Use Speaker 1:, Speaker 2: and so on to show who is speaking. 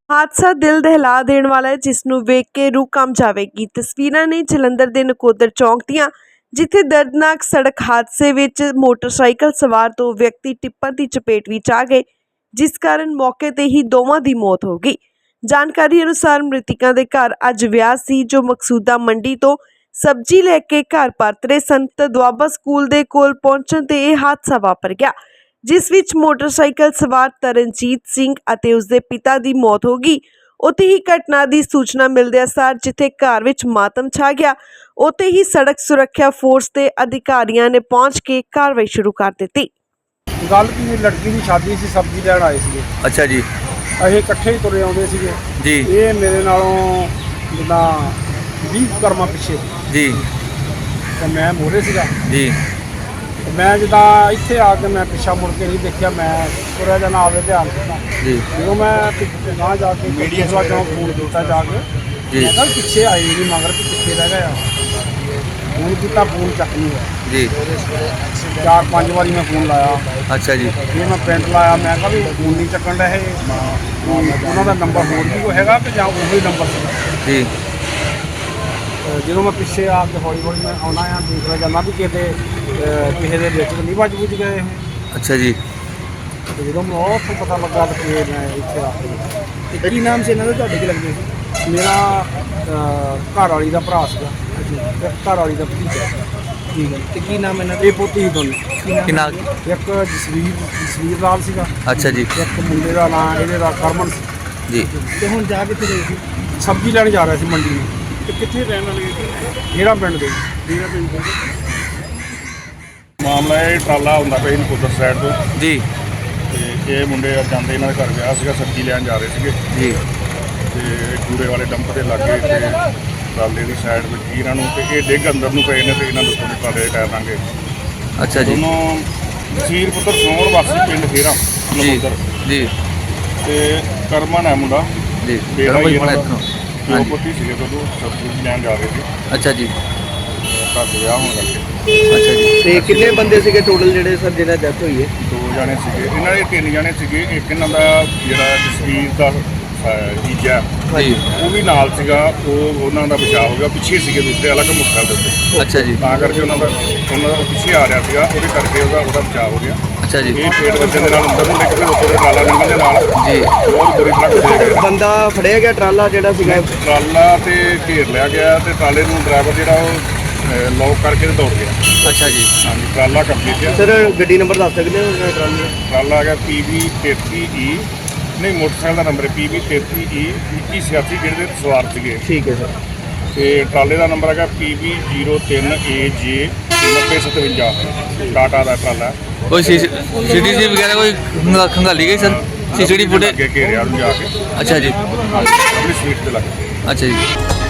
Speaker 1: ਹਾਦਸਾ ਦਿਲ ਦਹਿਲਾ ਦੇਣ ਵਾਲਾ ਹੈ, ਜਿਸ ਨੂੰ ਵੇਖ ਕੇ ਰੂਹ ਕੰਬ ਜਾਵੇਗੀ। ਤਸਵੀਰਾਂ ਨੇ ਜਲੰਧਰ ਦੇ ਨਕੋਦਰ ਚੌਂਕ ਦੀਆਂ, ਜਿੱਥੇ ਦਰਦਨਾਕ ਸੜਕ ਹਾਦਸੇ ਵਿੱਚ ਮੋਟਰਸਾਈਕਲ ਸਵਾਰ ਦੋ ਵਿਅਕਤੀ ਟਿੱਪਰ ਦੀ ਚਪੇਟ ਵਿੱਚ ਆ ਗਏ, ਜਿਸ ਕਾਰਨ ਮੌਕੇ ਤੇ ਹੀ ਦੋਵਾਂ ਦੀ ਮੌਤ ਹੋ ਗਈ। ਜਾਣਕਾਰੀ ਅਨੁਸਾਰ ਮ੍ਰਿਤਕਾਂ ਦੇ ਘਰ ਅੱਜ ਵਿਆਹ ਸੀ, ਜੋ ਮਕਸੂਦਾ ਮੰਡੀ ਤੋਂ ਸਬਜ਼ੀ ਲੈ ਕੇ ਘਰ ਪਰਤ ਰਹੇ ਸਨ। ਦੁਆਬਾ ਸਕੂਲ ਦੇ ਕੋਲ ਪਹੁੰਚਣ ਤੇ ਇਹ ਹਾਦਸਾ ਵਾਪਰ ਗਿਆ, ਜਿਸ ਵਿੱਚ ਮੋਟਰਸਾਈਕਲ ਸਵਾਰ ਤਰਨਜੀਤ ਸਿੰਘ ਅਤੇ ਉਸਦੇ ਪਿਤਾ ਦੀ ਮੌਤ ਹੋ ਗਈ। ਉੱਥੇ ਹੀ ਘਟਨਾ ਦੀ ਸੂਚਨਾ ਮਿਲਦਿਆਂ ਸਾਰ ਜਿੱਥੇ ਘਰ ਵਿੱਚ ਮਾਤਮ ਛਾ ਗਿਆ, ਉੱਥੇ ਹੀ ਸੜਕ ਸੁਰੱਖਿਆ ਫੋਰਸ ਦੇ ਅਧਿਕਾਰੀਆਂ ਨੇ ਪਹੁੰਚ ਕੇ ਕਾਰਵਾਈ ਸ਼ੁਰੂ ਕਰ ਦਿੱਤੀ।
Speaker 2: ਗੱਲ ਕੀ, ਲੜਕੀ ਦੀ ਸ਼ਾਦੀ ਸੀ, ਸਬਜ਼ੀ ਲੈਣ ਆਏ ਸੀਗੇ।
Speaker 3: ਅੱਛਾ ਜੀ।
Speaker 2: ਅਸੀਂ ਇਕੱਠੇ ਹੀ ਤੁਰੇ ਆਉਂਦੇ ਸੀਗੇ
Speaker 3: ਜੀ।
Speaker 2: ਇਹ ਮੇਰੇ ਨਾਲੋਂ ਜਿੱਦਾਂ 20 ਕਰਮਾਂ ਪਿੱਛੇ
Speaker 3: ਜੀ
Speaker 2: ਤੇ ਮੈਂ ਮੋਰੇ ਸੀਗਾ।
Speaker 3: ਜੀ।
Speaker 2: ਮੈਂ ਜਿੱਦਾਂ ਇੱਥੇ ਆ ਕੇ ਮੈਂ ਪਿੱਛਾ ਮੁੜ ਕੇ ਨਹੀਂ ਦੇਖਿਆ, ਮੈਂ ਤੁਰਿਆ ਜਾਣਾ ਆਵੇ ਧਿਆਨ ਦਿੱਤਾ।
Speaker 3: ਜੀ।
Speaker 2: ਜਦੋਂ ਮੈਂ ਨਾ ਜਾ ਕੇ ਮੀਡੀਆ ਚੋਂ ਫੋਨ ਕੀਤਾ ਜਾ ਕੇ,
Speaker 3: ਜੀ।
Speaker 2: ਮੈਂ ਕਿਹਾ ਪਿੱਛੇ ਆਏ ਨਹੀਂ ਮਗਰ ਕਿ ਪਿੱਛੇ ਰਹਿ ਗਿਆ। ਫੋਨ ਕੀਤਾ, ਫੋਨ ਚੱਕ ਨਹੀਂ ਹੋਇਆ।
Speaker 3: ਜੀ।
Speaker 2: 4-5 ਵਾਰੀ ਮੈਂ ਫੋਨ ਲਾਇਆ।
Speaker 3: ਅੱਛਾ ਜੀ।
Speaker 2: ਫਿਰ ਮੈਂ ਪਿੰਡ ਲਾਇਆ, ਮੈਂ ਕਿਹਾ ਵੀ ਫੋਨ ਨਹੀਂ ਚੱਕਣ ਰਹੇ, ਉਹਨਾਂ ਦਾ ਨੰਬਰ ਹੋਰ ਵੀ ਕੋਈ ਹੈਗਾ ਕਿ ਜਾਂ ਉਹੀ ਨੰਬਰ ਸੀਗਾ।
Speaker 3: ਜੀ।
Speaker 2: ਜਦੋਂ ਮੈਂ ਪਿੱਛੇ ਆ ਕੇ ਹੌਲੀ ਹੌਲੀ ਮੈਂ ਆਉਣਾ ਆ, ਦੇਖਦਾ ਜਾਂਦਾ ਵੀ ਕਿਸੇ ਦੇ ਵਿੱਚ ਨਹੀਂ ਵੱਜ ਬੁੱਝ ਗਏ ਇਹ।
Speaker 3: ਅੱਛਾ ਜੀ।
Speaker 2: ਤੇ ਜਦੋਂ ਮੈਨੂੰ ਉੱਥੋਂ ਪਤਾ ਲੱਗਾ ਕਿ ਮੈਂ ਇੱਥੇ ਆ ਕੇ।
Speaker 4: ਤੇ ਕੀ ਨਾਮ ਸੀ ਇਹਨਾਂ ਦਾ, ਤੁਹਾਡੇ ਕੀ ਲੱਗਦੇ ਸੀ?
Speaker 2: ਮੇਰਾ ਘਰ ਵਾਲੀ ਦਾ ਭਰਾ ਸੀਗਾ ਤੇ ਘਰ ਵਾਲੀ ਦਾ ਭਤੀਜਾ।
Speaker 4: ਠੀਕ ਹੈ। ਤੇ ਕੀ ਨਾਮ ਇਹਨਾਂ ਦਾ?
Speaker 2: ਇਹ ਪੋਤੀ ਸੀ ਦੋਨੇ।
Speaker 3: ਕਿੰਨਾ?
Speaker 2: ਇੱਕ ਜਸਵੀਰ ਲਾਲ ਸੀਗਾ।
Speaker 3: ਅੱਛਾ ਜੀ।
Speaker 2: ਇੱਕ ਮੁੰਡੇ ਦਾ ਨਾਂ ਇਹਦੇ ਦਾ ਕਰਮਨ ਸੀ।
Speaker 3: ਜੀ।
Speaker 4: ਤੇ ਹੁਣ ਜਾ ਕਿੱਥੇ ਰਹੇ ਸੀ?
Speaker 2: ਸਬਜ਼ੀ ਲੈਣ ਜਾ ਰਿਹਾ ਸੀ ਮੰਡੀ ਨੂੰ।
Speaker 4: ਤੇ ਕਿੱਥੇ ਰਹਿਣ ਵਾਲੇ?
Speaker 2: ਜਿਹੜਾ ਪਿੰਡ ਦੇ
Speaker 5: ਮਾਮਲਾ ਇਹ ਟਰਾਲਾ ਹੁੰਦਾ ਪਿਆ ਨਕੋਦਰ ਸਾਈਡ ਤੋਂ,
Speaker 3: ਜੀ।
Speaker 5: ਤੇ ਇਹ ਮੁੰਡੇ ਜਾਂਦੇ ਇਹਨਾਂ ਦੇ ਘਰ ਵਿਆਹ ਸੀਗਾ, ਸਬਜ਼ੀ ਲੈਣ ਜਾ ਰਹੇ ਸੀਗੇ।
Speaker 3: ਜੀ।
Speaker 5: ਤੇ ਕੂੜੇ ਵਾਲੇ ਡੰਪ ਦੇ ਲਾਗੇ ਤੇ ਟਰਾਲੇ ਦੀ ਸਾਈਡ ਵਿੱਚ ਹੀ ਇਹਨਾਂ ਨੂੰ, ਤੇ ਇਹ ਡਿੱਗ ਅੰਦਰ ਨੂੰ ਪਏ ਨੇ ਤੇ ਇਹਨਾਂ ਦੇ ਉੱਤੋਂ ਦੀ ਟਰਾਲੇ ਦੇ ਟਾਇਰ ਲਾਂਗੇ।
Speaker 3: ਅੱਛਾ ਜੀ।
Speaker 5: ਦੋਨੋਂ ਜਸੀਰ ਪੁੱਤਰ ਸੋਹਰ ਵਾਸੀ ਪਿੰਡ ਖੇਰਾ
Speaker 3: ਜੀ।
Speaker 5: ਨਕੋਦਰ,
Speaker 3: ਜੀ।
Speaker 5: ਤੇ ਕਰਮਨ ਹੈ ਮੁੰਡਾ।
Speaker 3: ਜੀ।
Speaker 5: ਬੇੜਾ ਹੀ
Speaker 3: ਬਣਾ
Speaker 5: ਇਹਨਾਂ
Speaker 3: ਇੱਥੋਂ।
Speaker 5: ਦੋ
Speaker 3: ਹਾਂਜੀ।
Speaker 5: ਪੁੱਤੀ ਸੀਗੇ, ਜਦੋਂ ਸਬਜ਼ੀ ਲੈਣ ਜਾ ਰਹੇ ਸੀ।
Speaker 3: ਅੱਛਾ ਜੀ।
Speaker 5: ਘਰ ਦੇ ਵਿਆਹ ਹੋਣ ਕਰਕੇ
Speaker 3: ਅੱਛਾ ਜੀ।
Speaker 4: ਤੇ ਕਿੰਨੇ ਬੰਦੇ ਸੀਗੇ ਟੋਟਲ ਜਿਹੜੇ ਸਰ ਜਿਹਨਾਂ ਡੈਥ ਹੋਈ ਹੈ?
Speaker 5: 2 ਜਾਣੇ ਸੀਗੇ, ਇਹਨਾਂ ਦੇ 3 ਜਾਣੇ ਸੀਗੇ। ਇੱਕ ਇਹਨਾਂ ਦਾ ਜਿਹੜਾ ਜਸਵੀਰ ਦਾ ਜੀਜਾ,
Speaker 3: ਜੀ।
Speaker 5: ਉਹ ਵੀ ਨਾਲ ਸੀਗਾ। ਉਹਨਾਂ ਦਾ ਬਚਾਅ ਹੋ ਗਿਆ, ਪਿੱਛੇ ਸੀਗੇ ਦੂਸਰੇ ਅਲੱਗ ਮੋਟਰਸਾਈਕਲ ਦੇ ਉੱਤੇ,
Speaker 3: ਅੱਛਾ ਜੀ।
Speaker 5: ਤਾਂ ਕਰਕੇ ਉਹਨਾਂ ਦਾ ਪਿੱਛੇ ਆ ਰਿਹਾ ਸੀਗਾ, ਉਹਦੇ ਕਰਕੇ ਉਹਦਾ ਬਚਾਅ ਹੋ ਗਿਆ।
Speaker 3: ਅੱਛਾ ਜੀ।
Speaker 5: ਇਹ ਪੇਟ ਵੱਜਣ ਦੇ ਨਾਲ ਅੰਦਰ ਨੂੰ ਡਿੱਗ ਕੇ ਉੱਪਰ ਦੇ ਟਰਾਲਾ ਨਿਕਲਣ ਦੇ ਨਾਲ
Speaker 3: ਜੀ।
Speaker 5: ਬਹੁਤ ਬੁਰੀ ਤਰ੍ਹਾਂ ਫਸਿਆ ਗਿਆ।
Speaker 4: ਬੰਦਾ ਫੜਿਆ ਗਿਆ ਟਰਾਲਾ ਜਿਹੜਾ ਸੀਗਾ?
Speaker 5: ਟਰਾਲਾ ਤੇ ਘੇਰ ਲਿਆ ਗਿਆ ਤੇ ਟਰਾਲੇ ਨੂੰ ਡਰਾਈਵਰ ਜਿਹੜਾ ਉਹ ਲੌਕ ਕਰਕੇ ਤੇ ਦੌੜ ਗਿਆ।
Speaker 3: ਅੱਛਾ ਜੀ।
Speaker 5: ਹਾਂਜੀ, ਟਰਾਲਾ ਕੰਪਲੀਟ ਹੈ।
Speaker 4: ਸਰ ਗੱਡੀ ਨੰਬਰ ਦੱਸ ਸਕਦੇ ਹੋ ਟਰਾਲੇ ਦਾ?
Speaker 5: ਟਰਾਲਾ ਹੈਗਾ PB33E, ਨਹੀਂ ਮੋਟਰਸਾਈਕਲ ਦਾ ਨੰਬਰ ਹੈ PB33E 2186, ਜਿਹਦੇ ਤੇ ਸਵਾਰ ਸੀਗੇ।
Speaker 4: ਠੀਕ ਹੈ ਸਰ।
Speaker 5: ਤੇ ਟਰਾਲੇ ਦਾ ਨੰਬਰ ਹੈਗਾ PB03AJ 9057, ਟਾਟਾ ਦਾ ਟਰਾਲਾ।
Speaker 3: ਕੋਈ CCTV ਵਗੈਰਾ ਕੋਈ ਖੰਗਾਲੀ ਗਈ ਸਰ? CCTV ਫੁਟੇਜ
Speaker 5: ਅੱਗੇ ਘੇਰਿਆ ਨੂੰ ਜਾ ਕੇ
Speaker 3: ਅੱਛਾ ਜੀ।
Speaker 5: ਆਪਣੀ ਸੀਟ ਤੇ ਲੱਗ ਗਏ।
Speaker 3: ਅੱਛਾ ਜੀ।